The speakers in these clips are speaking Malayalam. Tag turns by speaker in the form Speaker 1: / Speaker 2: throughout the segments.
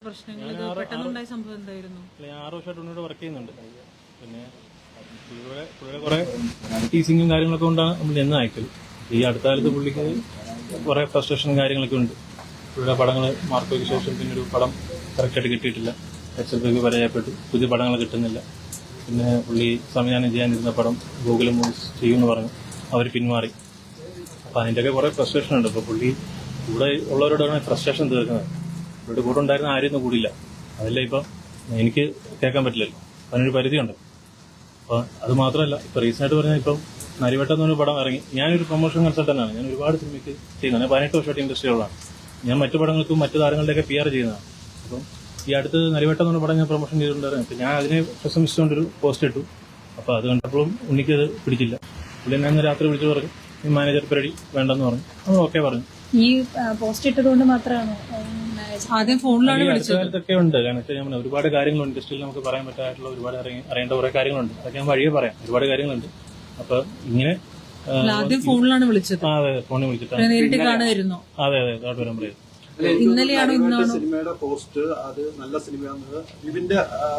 Speaker 1: പ്രശ്നങ്ങൾ പെട്ടെന്നുണ്ടായ സംഭവം എന്തായിരുന്നു?
Speaker 2: ഞാൻ 6 വർഷമായിട്ട് ഉണ്ണിയോട് വർക്ക് ചെയ്യുന്നുണ്ട്. പിന്നെ പുള്ളിയുടെ കുറെ ടീസിങ്ങും കാര്യങ്ങളൊക്കെ കൊണ്ടാണ് നമ്മൾ നിന്ന് അയക്കൽ. ഈ അടുത്ത കാലത്ത് പുള്ളിക്ക് കുറെ ഫ്രസ്ട്രേഷനും കാര്യങ്ങളൊക്കെ ഉണ്ട്. പുള്ളിയുടെ പടങ്ങൾ മാർക്കോയ്ക്ക് ശേഷം പിന്നെ ഒരു പടം കറക്റ്റായിട്ട് കിട്ടിയിട്ടില്ല. എക്സൽപിക്ക് പരാജയപ്പെട്ടു. പുതിയ പടങ്ങൾ കിട്ടുന്നില്ല. പിന്നെ പുള്ളി സംവിധാനം ചെയ്യാനിരുന്ന പടം ഗൂഗിൾ മൂവീസ് ചെയ്യുമെന്ന് പറഞ്ഞു. അവർ പിന്മാറി. അപ്പം അതിൻ്റെയൊക്കെ കുറെ ഫ്രസ്ട്രേഷൻ ഉണ്ട്. അപ്പോൾ പുള്ളി കൂടെ ഉള്ളവരോടാണ് ഫ്രസ്ട്രേഷൻ തീർക്കുന്നത്. ഇവിടെ കൂടെ ഉണ്ടായിരുന്ന ആരെയൊന്നും കൂടിയില്ല. അതല്ല ഇപ്പം എനിക്ക് കേൾക്കാൻ പറ്റില്ലല്ലോ. അതിനൊരു പരിധിയുണ്ട്. അപ്പോൾ അത് മാത്രമല്ല, ഇപ്പം റീസെൻ്റായിട്ട് പറഞ്ഞാൽ ഇപ്പം നരിവട്ടം എന്നൊരു പടം ഇറങ്ങി. ഞാനൊരു പ്രൊമോഷൻ കൺസൾട്ടൻ്റാണ്. ഞാൻ ഒരുപാട് സിനിമയ്ക്ക് ചെയ്യുന്നത്. 18 വർഷമായിട്ട് ഇൻഡസ്ട്രികളാണ്. ഞാൻ മറ്റു പടങ്ങൾക്കും മറ്റു താരങ്ങളുടെയൊക്കെ PR ചെയ്യുന്നതാണ്. അപ്പം ഈ അടുത്ത് നരിവട്ടം എന്നൊരു പടം ഞാൻ പ്രൊമോഷൻ ചെയ്തിട്ടുണ്ടായിരുന്നു. അപ്പം ഞാൻ അതിനെ പ്രശംസിച്ചുകൊണ്ടൊരു പോസ്റ്റ് ഇട്ടു. അപ്പോൾ അത് കണ്ടപ്പോഴും ഉണ്ണിക്കത് പിടിച്ചില്ല. പുള്ളി എന്നെ രാത്രി വിളിച്ചു പറഞ്ഞു, ഈ മാനേജർ പരിപാടി വേണ്ടെന്ന് പറഞ്ഞു. നമ്മൾ ഓക്കെ പറഞ്ഞു.
Speaker 3: ഈ പോസ്റ്റ് ഇട്ടതുകൊണ്ട് മാത്രമാണ്
Speaker 1: ആദ്യം ഫോണിലാണ് വിളിച്ചത്.
Speaker 2: കാലത്തൊക്കെ ഉണ്ട്. കാരണം വെച്ചാൽ ഞാൻ ഒരുപാട് കാര്യങ്ങളുണ്ട് ഇൻഡസ്ട്രിയിൽ നമുക്ക് പറയാൻ പറ്റായിട്ടുള്ള ഒരുപാട് അറിയേണ്ട കുറെ കാര്യങ്ങളുണ്ട്. അതൊക്കെ ഞാൻ വഴിയെ പറയാം. ഒരുപാട് കാര്യങ്ങളുണ്ട്. അപ്പൊ ഇങ്ങനെ
Speaker 1: ആദ്യം ഫോണിലാണ് വിളിച്ചത്.
Speaker 2: അതെ, ഫോണിൽ വിളിച്ചിട്ടാണ്.
Speaker 1: നേരിട്ട് കാണുമായിരുന്നോ?
Speaker 2: അതെ, അതോട്ട് വരാൻ പറയും.
Speaker 1: ഇന്നലെയാണോ ഇന്നാണോ
Speaker 4: സിനിമയുടെ പോസ്റ്റ്? അത് നല്ല സിനിമയാണെന്ന് വിപിന്റെ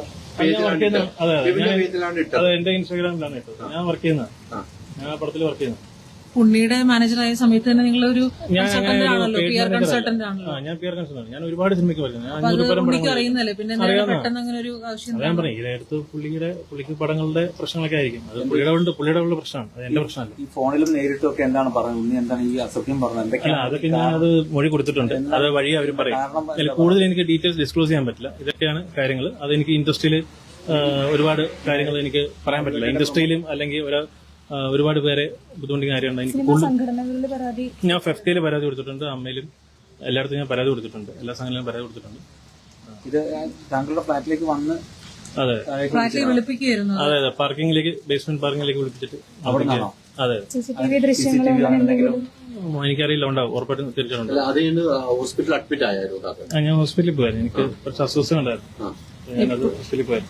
Speaker 4: പേജിലാണ് ഇട്ടത്.
Speaker 2: അതെ, എന്റെ ഇൻസ്റ്റാഗ്രാമിലാണ് ഇട്ടത്. ഞാൻ വർക്ക് ചെയ്യുന്ന, ഞാൻ ആ പടത്തിൽ വർക്ക് ചെയ്യുന്നത്.
Speaker 1: ഉണ്ണിയുടെ മാനേജറായ സമയത്ത് തന്നെ നിങ്ങളൊരു കൺസൾട്ടന്റ് ആണല്ലോ, PR കൺസൾട്ടന്റ് ആണല്ലോ.
Speaker 2: ഞാൻ PR കൺസൾട്ടന്റ്. ഞാൻ ഒരുപാട് സിനിമയ്ക്ക് വരുന്നത്.
Speaker 1: ഉണ്ണിക്ക് അറിയുന്നല്ലേ, പിന്നെ പെട്ടെന്ന് അങ്ങനെ ഒരു ആവശ്യം.
Speaker 2: ഞാൻ പറഞ്ഞു, ഇതിനടുത്ത് പുള്ളിക്ക് പടങ്ങളുടെ പ്രശ്നങ്ങളൊക്കെ ആയിരിക്കും. അത് പുള്ളിയുടെ ഉള്ള പ്രശ്നമാണ്. അത് എന്റെ പ്രശ്നമല്ല.
Speaker 5: ഈ ഫോണിലും നേരിട്ടും ഒക്കെ എന്താണ് പറയുന്നത്? ഉണ്ണി എന്താണ് ഈ അസഭ്യം പറഞ്ഞത്?
Speaker 2: അതൊക്കെ ഞാൻ അത് മൊഴി കൊടുത്തിട്ടുണ്ട്. അത് വഴി അവർ പറയും. കൂടുതൽ എനിക്ക് ഡീറ്റെയിൽസ് ഡിസ്ക്ലോസ് ചെയ്യാൻ പറ്റില്ല. ഇതൊക്കെയാണ് കാര്യങ്ങൾ. അതെനിക്ക് ഇൻഡസ്ട്രിയിൽ ഒരുപാട് കാര്യങ്ങൾ എനിക്ക് പറയാൻ പറ്റില്ല. ഇൻഡസ്ട്രിയിലും അല്ലെങ്കിൽ ഒരുപാട് പേരെ ബുദ്ധിമുട്ടിക്കുന്ന കാര്യമുണ്ട്. എനിക്ക് ഞാൻ ഫെഫ്റ്റയിൽ പരാതി കൊടുത്തിട്ടുണ്ട്. അമ്മയിലും എല്ലായിടത്തും ഞാൻ പരാതി കൊടുത്തിട്ടുണ്ട്. എല്ലാ സംഘടനയിലും പരാതി കൊടുത്തിട്ടുണ്ട്.
Speaker 5: ഇത് താങ്കളുടെ ഫ്ലാറ്റിലേക്ക് വന്ന്
Speaker 2: അതെ
Speaker 1: വിളിപ്പിക്കുകയായിരുന്നു.
Speaker 2: അതെ, പാർക്കിംഗിലേക്ക്, ബേസ്മെന്റ് പാർക്കിംഗിലേക്ക് വിളിപ്പിച്ചിട്ട്. അതെ, എനിക്കറിയില്ല. ഉണ്ടാവും, ഉറപ്പായിട്ടും തിരിച്ചിട്ടുണ്ട്.
Speaker 4: ഹോസ്പിറ്റലിൽ അഡ്മിറ്റ് ആയിരുന്നു.
Speaker 2: ഞാൻ ഹോസ്പിറ്റലിൽ പോയായിരുന്നു. എനിക്ക് കുറച്ച് അസ്വസ്ഥത ഉണ്ടായിരുന്നു. ഞാനത് ഹോസ്പിറ്റലിൽ പോയായിരുന്നു.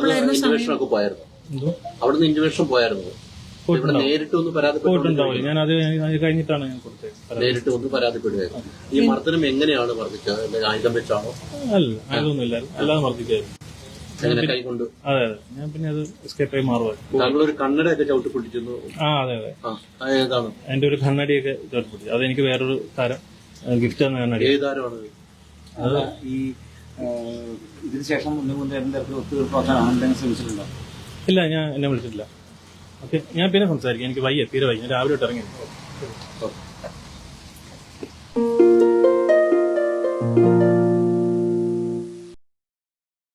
Speaker 4: അവിടുന്ന് ഇന്റിമേഷൻ പോയായിരുന്നു. നേരിട്ടൊന്ന്
Speaker 2: പോയിട്ടുണ്ടാവില്ല. ഞാൻ അത് കഴിഞ്ഞിട്ടാണ് ഞാൻ കൊടുത്തത്.
Speaker 4: നേരിട്ട് ഒന്ന് പരാതിപ്പെടുകയായിരുന്നു. ഈ മർദ്ദനം എങ്ങനെയാണ് വർദ്ധിച്ചത്? ആയുധം വെച്ചാണോ?
Speaker 2: അല്ല, ആയുധമൊന്നുമില്ല. അല്ലാതെ മർദ്ദിക്കായിരുന്നു.
Speaker 4: കൈകൊണ്ട്.
Speaker 2: അതെ, ഞാൻ പിന്നെ അത് എസ്കേപ്പ് ആയി മാറുമായിരുന്നു.
Speaker 4: താങ്കളൊരു കണ്ണടയൊക്കെ ചവിട്ടി പിടിച്ചിരുന്നു.
Speaker 2: അതെ.
Speaker 4: ഏതാണ്?
Speaker 2: എന്റെ ഒരു കണ്ണടിയൊക്കെ ചവിട്ടി പിടിച്ചു. അതെനിക്ക് വേറൊരു താരം ഗിഫ്റ്റ് തന്ന കണ്ണടി.
Speaker 4: ഏത് താരമാണ്
Speaker 5: അത്? ഈ ഇതിന് ശേഷം എന്തെങ്കിലും തരത്തിൽ ഒത്തുതീർപ്പാക്കാൻ എന്തെങ്കിലും ശ്രമിച്ചിട്ടുണ്ടോ?
Speaker 2: ഇല്ല, ഞാൻ എന്നെ വിളിച്ചിട്ടില്ല. ഓക്കെ, ഞാൻ പിന്നെ സംസാരിക്കാം. എനിക്ക് വയ്യ, തീരെ വയ്യ. ഞാൻ രാവിലെ ഇറങ്ങി.